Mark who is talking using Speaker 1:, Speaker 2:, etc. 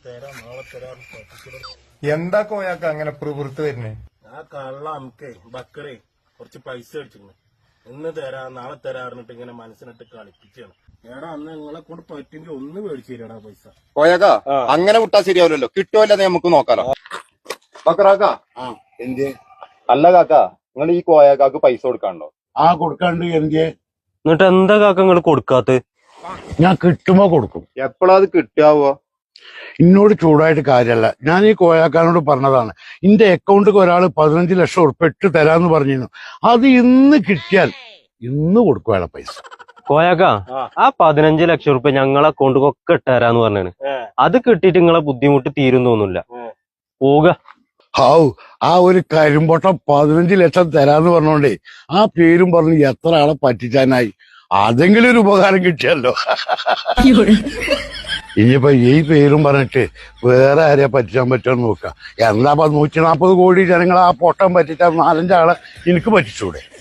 Speaker 1: എന്താ കോയാക്ക അങ്ങനെ പുറത്ത് വരുന്നേ?
Speaker 2: ആ കള്ള അമ്മക്കേ ബക്കറേ കുറച്ച് പൈസ അടിച്ചിരുന്നു. ഇന്ന് തരാ നാളെ തരാറിഞ്ഞിട്ട് ഇങ്ങനെ മനസ്സിനിട്ട് കളിപ്പിച്ചാണ്. എടാ അന്ന് നിങ്ങളെ കൊണ്ട് പറ്റുമെങ്കിൽ ഒന്ന് മേടിച്ചു തരാടാ പൈസ.
Speaker 3: കോയാക്ക അങ്ങനെ വിട്ടാ ശരിയാവില്ലല്ലോ, കിട്ടുമല്ലേ നമുക്ക് നോക്കാലോ. ബക്കറാക്ക
Speaker 4: എന്തേ?
Speaker 3: അല്ല കാക്ക, നിങ്ങൾ ഈ കോയാക്കാക്ക് പൈസ കൊടുക്കാണ്ടോ?
Speaker 4: ആ കൊടുക്കാണ്ട് എന്തേ?
Speaker 5: എന്നിട്ട് എന്താ കാക്ക നിങ്ങൾ കൊടുക്കാത്ത?
Speaker 4: ഞാൻ കിട്ടുമ്പോ കൊടുക്കും.
Speaker 3: എപ്പോഴാ അത് കിട്ടാവോ?
Speaker 4: എന്നോട് ചൂടായിട്ട് കാര്യമല്ല, ഞാൻ ഈ കോയാക്കാനോട് പറഞ്ഞതാണ്. എന്റെ അക്കൗണ്ടിൽ ഒരാൾ 15 ലക്ഷം ഉറുപ്പ ഇട്ട് തരാന്ന് പറഞ്ഞിരുന്നു. അത് ഇന്ന് കിട്ടിയാൽ ഇന്ന് കൊടുക്കുവാണ് പൈസ.
Speaker 5: കോയാക്ക ആ 15 ലക്ഷം റുപ്യ ഞങ്ങളെ അക്കൗണ്ടിലൊക്കെ ഇട്ടുതരാന്ന് പറഞ്ഞാണ്. അത് കിട്ടിയിട്ട് നിങ്ങളെ ബുദ്ധിമുട്ട് തീരും തോന്നില്ല. പോക.
Speaker 4: ഹാവു, ആ ഒരു കരിമ്പൊട്ടം 15 ലക്ഷം തരാന്ന് പറഞ്ഞോണ്ടേ ആ പേരും പറഞ്ഞ് എത്ര ആളെ പറ്റിച്ചാനായി. അതെങ്കിലും ഒരു ഉപകാരം കിട്ടിയല്ലോ. ഇനിയിപ്പോ ഈ പേരും പറഞ്ഞിട്ട് വേറെ ആരെയാ പറ്റിച്ചാൻ പറ്റുമെന്ന് നോക്കാം. എന്താ 140 കോടി ജനങ്ങളെ ആ പൊട്ടം പറ്റിച്ചാൽ 4-5 ആളെ എനിക്ക് പറ്റിച്ചൂടെ?